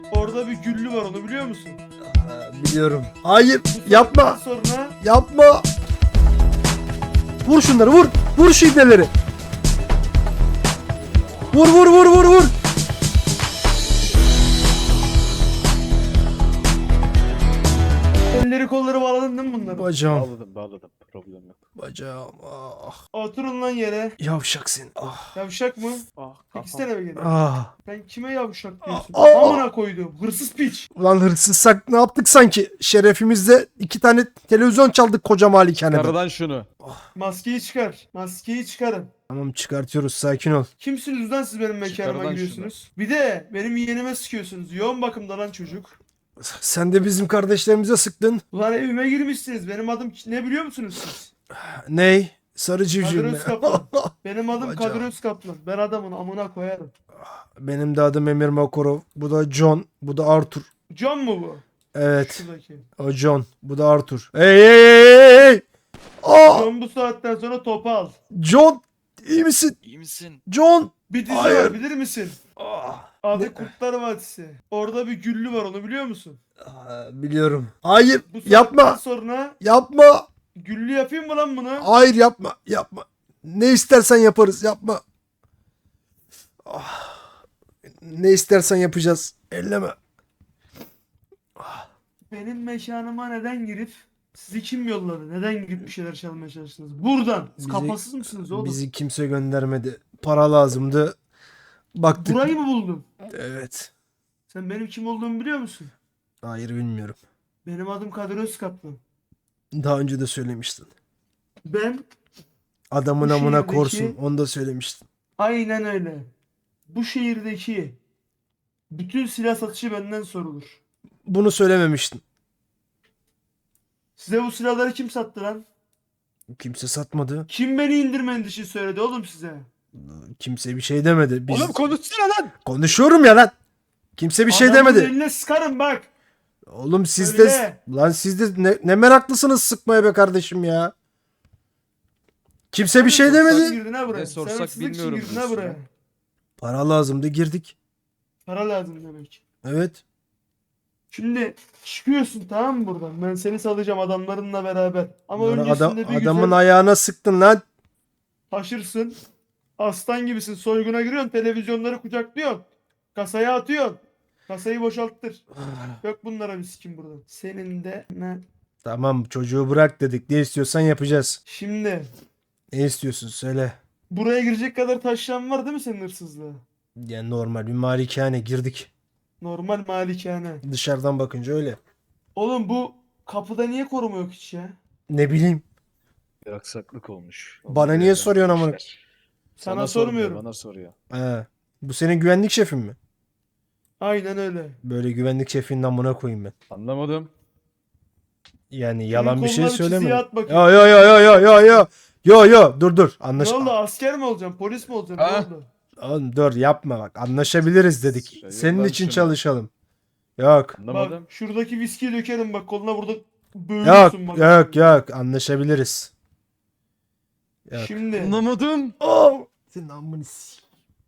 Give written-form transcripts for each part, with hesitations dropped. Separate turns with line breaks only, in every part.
Orada bir güllü var, onu biliyor musun?
Biliyorum. Hayır,
Bu
yapma.
saatten Sonra
Yapma. Vur şunları, vur. Vur şu ibneleri. Vur vur vur vur vur.
elleri kolları bağladın değil mi bunları?
Bacağım.
Bağladım. Problem yok.
Bacağım. Ah.
Oturun lan yere.
Yavşak sen. Ah.
Yavşak mı?
Ah
Peki sen eve gel.
Ah.
Sen kime yavşak diyorsun?
Aa!
Amına koydum. Hırsız piç.
Ulan hırsızsak ne yaptık sanki? Şerefimizde 2 tane televizyon çaldık koca malikaneden.
Karadan şunu.
Maskeyi çıkar. Maskeyi çıkarın.
Tamam çıkartıyoruz, sakin ol.
Kimsiniz lan siz benim mekanıma
Çıkarılan
giriyorsunuz? Bir de benim yeğenime sıkıyorsunuz. Yoğun bakımda lan çocuk.
Sen de bizim kardeşlerimize sıktın.
Ulan evime girmişsiniz. Benim adım ne biliyor musunuz siz?
Ney? Sarı civciv
Kadir
mi?
Özkaplan. Benim adım
Bacağım.
Kadir Özkaplan. Ben adamın amına koyarım.
Benim de adım Emir Makarov. Bu da John. Bu da Arthur.
John mu bu?
Evet.
Şuradaki.
O John. Bu da Arthur. Hey hey hey hey hey! Aa!
John bu saatten sonra topu al.
John! İyi misin?
İyi misin?
John!
Bir dizi
Hayır.
var bilir misin? Adı
Ne?
Kurtlar Vadisi. Orada bir güllü var, onu biliyor musun?
Biliyorum. Hayır!
Bu saatten
Yapma!
sonra
Yapma!
güllü yapayım mı lan bunu?
Hayır yapma! Yapma! Ne istersen yaparız. Yapma! Ah. Ne istersen yapacağız. Elleme.
Benim mekanıma neden girip sizi kim yolladı? Neden girip bir şeyler çalmaya çalıştınız? Buradan. Siz
Bizi-
kafasız mısınız oğlum?
Bizi kimse göndermedi. Para lazımdı. Baktık.
Burayı mı buldun?
Evet.
Sen benim kim olduğumu biliyor musun?
Hayır bilmiyorum.
Benim adım Kadir Özkaplan.
Daha önce de söylemiştin.
Ben
Adamın
Bu
amına
şehirdeki-
korsun. Onu da söylemiştin.
aynen öyle. Bu şehirdeki bütün silah satışı benden sorulur.
Bunu söylememiştin.
Size bu silahları kim sattı lan?
Kimse satmadı.
Kim beni indirmeniz için söyledi oğlum size?
Kimse bir şey demedi. Biz...
Oğlum konuşsana lan.
Konuşuyorum ya lan. Kimse bir şey
Adamın
demedi.
eline sıkarım bak.
Oğlum siz
Öyle.
de... Lan siz de ne meraklısınız sıkmaya be kardeşim ya. Kimse bir şey
Sen
demedi.
girdin ha buraya.
Ne
Sen
sorsak
hırsızlık için
bilmiyorum
girdin ha
diyorsun
buraya.
ya.
Para lazımdı, girdik.
Para lazım demek.
Evet.
Şimdi çıkıyorsun tamam mı buradan? Ben seni salacağım adamlarınla beraber. Ama
Lan
öncesinde bir
adamın
güzel
ayağına sıktın lan.
taşırsın. Aslan gibisin. Soyguna giriyorsun. Televizyonları kucaklıyorsun. Kasaya atıyorsun. Kasayı boşalttır. Yok bunlara bir sikim burada. Senin de ne?
Tamam çocuğu bırak dedik. Ne istiyorsan yapacağız.
Şimdi
Ne istiyorsun söyle.
buraya girecek kadar taşlan var değil mi senin hırsızlığa?
Yani normal bir malikane girdik.
Normal malikane.
Dışarıdan bakınca öyle.
Oğlum bu kapıda niye koruma yok hiç ya?
Ne bileyim.
Bir aksaklık olmuş.
Bana niye soruyorsun amına?
Sana
sormuyor,
sormuyorum.
bana soruyor.
He. Bu senin güvenlik şefin mi?
Aynen öyle.
Böyle güvenlik şefinin amına koyayım ben.
Anlamadım.
Yani yalan bir şey
koluna bir çiziyi
söyleme.
at bakayım.
Yo yo yo yo yo yo yo. Yo yo dur
Ne
anlaş.
oldu, asker mi olacaksın? Polis mi olacaksın?
Ha?
Ne oldu?
Oğlum dur yapma bak. Anlaşabiliriz dedik.
Şey,
Senin
yoldan
için
şunu.
çalışalım. Yok.
Anlamadım.
Bak şuradaki viskiyi dökerim bak koluna, burada
Yok
böğürürsün bak.
yok yok anlaşabiliriz. Yok.
Şimdi
Anlamadım.
Oh! Senin amını s-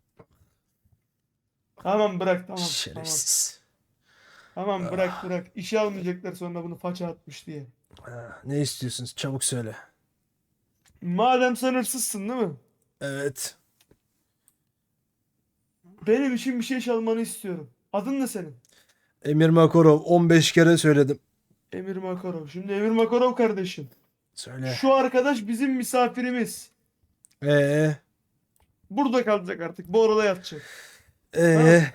tamam bırak tamam.
Şerefsiz.
Tamam bırak. İşe almayacaklar sonra bunu faça atmış diye.
Ha, ne istiyorsun? Çabuk söyle.
Madem sen hırsızsın değil mi?
Evet.
Benim için bir şey çalmanı istiyorum. Adın ne senin?
Emir Makarov 15 kere söyledim.
Emir Makarov. Şimdi Emir Makarov kardeşim.
Söyle.
Şu arkadaş bizim misafirimiz.
Ee
Burada kalacak artık. Bu arada yatacak.
ee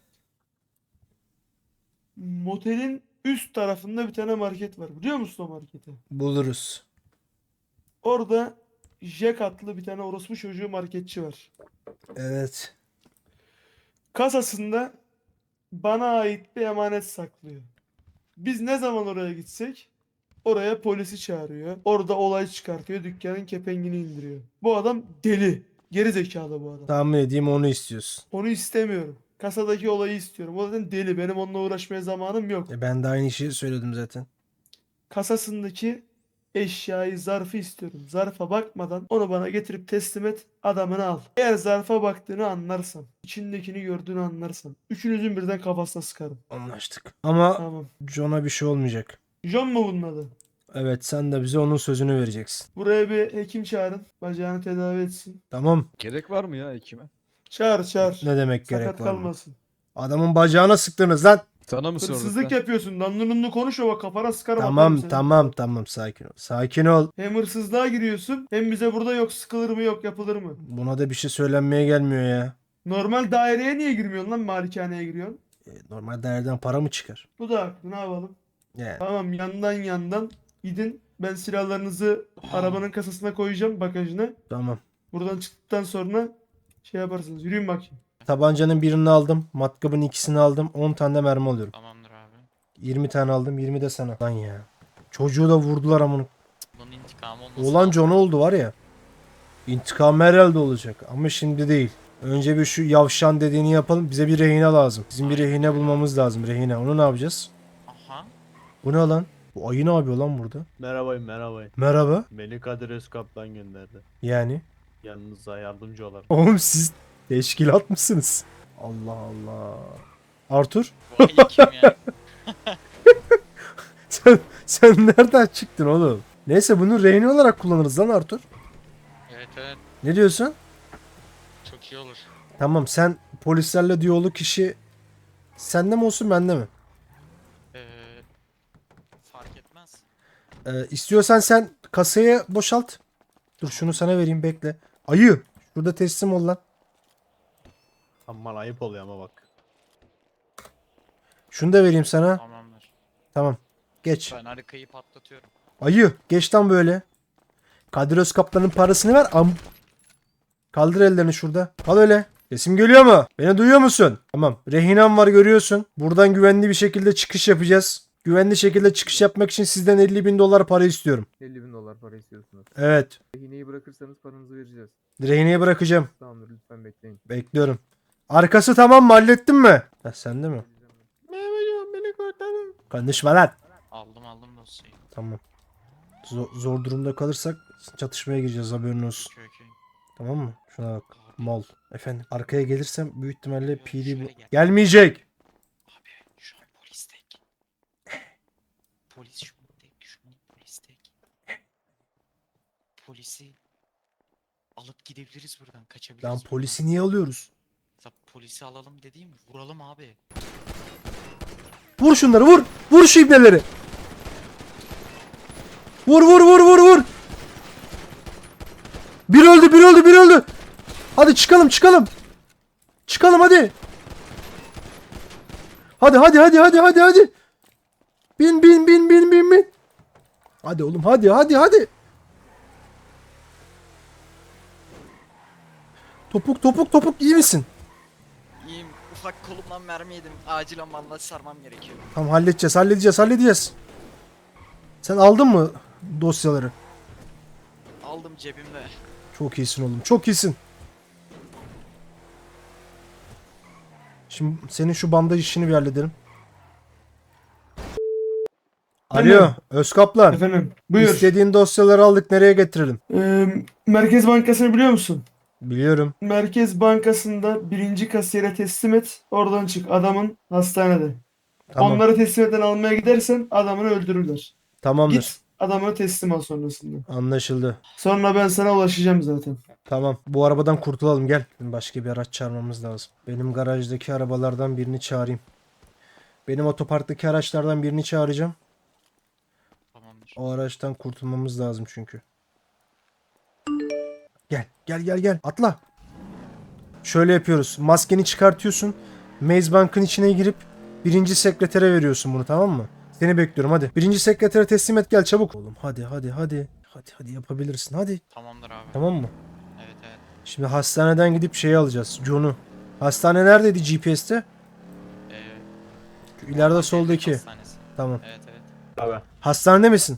Motelin üst tarafında bir tane market var. Biliyor musun o marketi?
buluruz.
Orada Jack adlı bir tane orospu çocuğu marketçi var.
Evet.
Kasasında bana ait bir emanet saklıyor. Biz ne zaman oraya gitsek oraya polisi çağırıyor. Orada olay çıkartıyor. Dükkanın kepengini indiriyor. Bu adam deli. Geri zekalı bu adam.
Tahmin edeyim onu istiyorsun.
Onu istemiyorum. Kasadaki olayı istiyorum. O zaten deli. Benim onunla uğraşmaya zamanım yok.
Ben de aynı şeyi söyledim zaten.
Kasasındaki eşyayı, zarfı istiyorum. Zarfa bakmadan onu bana getirip teslim et, adamını al. Eğer zarfa baktığını anlarsam, içindekini gördüğünü anlarsam, üçünüzün birden kafasına sıkarım.
Anlaştık. Ama
Tamam.
John'a bir şey olmayacak.
John mu bunun adı?
Evet, sen de bize onun sözünü vereceksin.
Buraya bir hekim çağırın. Bacağını tedavi etsin.
Tamam.
Gerek var mı ya hekime?
Çağır.
Ne demek
Sakat
gerek var mı?
kalmasın.
Adamın bacağına sıktınız lan.
Sana mı sorduk
Hırsızlık
lan?
yapıyorsun. Danlununlu konuşma bak, kafana sıkarım. atarım
Tamam
seni.
tamam sakin ol. Sakin ol.
Hem hırsızlığa giriyorsun hem bize burada yok sıkılır mı yok yapılır mı?
Buna da bir şey söylenmeye gelmiyor ya.
Normal daireye niye girmiyorsun lan, malikaneye giriyorsun?
Normal değerden para mı çıkar?
Bu da haklı, ne yapalım?
Yani.
Tamam, yandan gidin. Ben silahlarınızı arabanın kasasına koyacağım, bagajına.
Tamam.
Buradan çıktıktan sonra şey yaparsınız. Yürüyün bakayım.
Tabancanın birini aldım. Matkabın ikisini aldım. 10 tane de mermi alıyorum.
Tamamdır abi.
20 tane aldım. 20 de sana. Lan ya. Çocuğu da vurdular amına.
Bunun intikamı olmasın.
Olan John oldu var ya. İntikam herhalde olacak. Ama şimdi değil. Önce bir şu yavşan dediğini yapalım. Bize bir rehine lazım. Bizim bir rehine bulmamız lazım. Rehine. Onu ne yapacağız?
Aha.
Bu ne lan? Bu ayı ne yapıyor lan burada?
Merhaba.
Merhaba.
Beni Kadir Özkaplan gönderdi.
Yani.
Yanınıza yardımcı olarak.
Oğlum siz teşkilat mısınız? Allah Allah. Arthur
Bu ayı kim ya?
sen nereden çıktın oğlum? Neyse bunu rehine olarak kullanırız lan Arthur.
Evet.
Ne diyorsun?
Çok iyi olur.
Tamam, sen polislerle diyalog kişi sende mi olsun bende mi?
Ee, fark etmez.
İstiyorsan sen kasayı boşalt. Dur şunu sana vereyim, bekle. Ayı şurada teslim ol lan.
Aman ayıp oluyor ama bak.
Şunu da vereyim sana.
Tamamdır.
Tamam. Geç.
Ben harikayı patlatıyorum.
Ayı geç lan böyle. Kadir Özkaplan'ın parasını ver. Kaldır ellerini şurada. Al öyle. Sesim geliyor mu? Beni duyuyor musun? Tamam. Rehinem var, görüyorsun. Buradan güvenli bir şekilde çıkış yapacağız. Güvenli şekilde çıkış yapmak için sizden 50.000 dolar para istiyorum.
50 bin dolar para istiyorsunuz.
Evet.
Rehineyi bırakırsanız paranızı vereceğiz.
Rehineye bırakacağım.
Tamamdır, lütfen bekleyin.
Bekliyorum. Arkası tamam mı? Hallettin mi? Ha, sende mi?
Beni kurtarın.
Konuşma lan.
Aldım dosyayı.
Tamam. Zor durumda kalırsak çatışmaya gireceğiz, haberin olsun.
Okey.
Tamam mı? Şuna bak. Mal. Efendim. Arkaya gelirsem büyük ihtimalle
Yok,
PD
şöyle
bu.
gel.
Gelmeyecek.
Abi şu an polis tek. Polis şu an polis tek. Polisi alıp gidebiliriz buradan. Kaçabiliriz
Lan
buradan.
polisi niye alıyoruz?
Ya polisi alalım dediğim vuralım abi.
Vur şunları, vur. Vur şu ibneleri. Vur. Bir öldü. Hadi çıkalım. Çıkalım hadi. Hadi. Bin. Hadi oğlum, hadi. Topuk iyi misin?
İyiyim. Ufak kolumdan mermi yedim. Acilen bandaj sarmam gerekiyor.
Tamam, halledeceğiz. Sen aldın mı dosyaları?
Aldım cebimde.
Çok iyisin oğlum. Çok iyisin. Şimdi senin şu bandaj işini bir halledelim.
Efendim?
Alo, Özkaplan.
Efendim buyur.
İstediğin dosyaları aldık. Nereye getirelim?
Merkez Bankası'nı biliyor musun?
Biliyorum.
Merkez Bankası'nda birinci kasiyere teslim et. Oradan çık. Adamın hastanede.
Tamam.
Onları teslim eden almaya gidersen adamını öldürürler.
Tamamdır.
Git adamını teslim al sonrasında.
Anlaşıldı.
Sonra ben sana ulaşacağım zaten.
Tamam. Bu arabadan kurtulalım, gel. Başka bir araç çağırmamız lazım. Benim garajdaki arabalardan birini çağırayım. Benim otoparktaki araçlardan birini çağıracağım.
Tamamdır.
O araçtan kurtulmamız lazım çünkü. Gel. Atla. Şöyle yapıyoruz. Maskeni çıkartıyorsun. Maze Bank'ın içine girip birinci sekretere veriyorsun bunu, tamam mı? Seni bekliyorum hadi. Birinci sekretere teslim et, gel çabuk. Oğlum hadi. Hadi yapabilirsin hadi.
Tamamdır abi.
Tamam mı?
Evet.
Şimdi hastaneden gidip şeyi alacağız. John'u. Hastane neredeydi GPS'te?
Ee,
Şu ileride soldaki.
hastanesi.
Tamam.
Evet.
Abi.
Hastanede misin?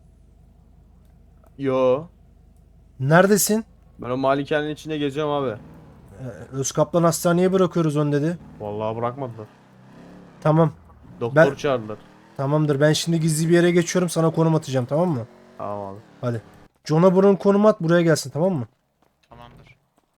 Yo.
Neredesin?
Ben o malikanenin içinde geziyorum abi.
Özkaplan hastaneye bırakıyoruz onu dedi.
Vallahi bırakmadılar.
Tamam.
Doktor
Ben-
çağırdılar.
Tamamdır. Ben şimdi gizli bir yere geçiyorum. Sana konum atacağım, tamam mı?
Tamam abi.
John'a bunun konumu at buraya gelsin tamam mı?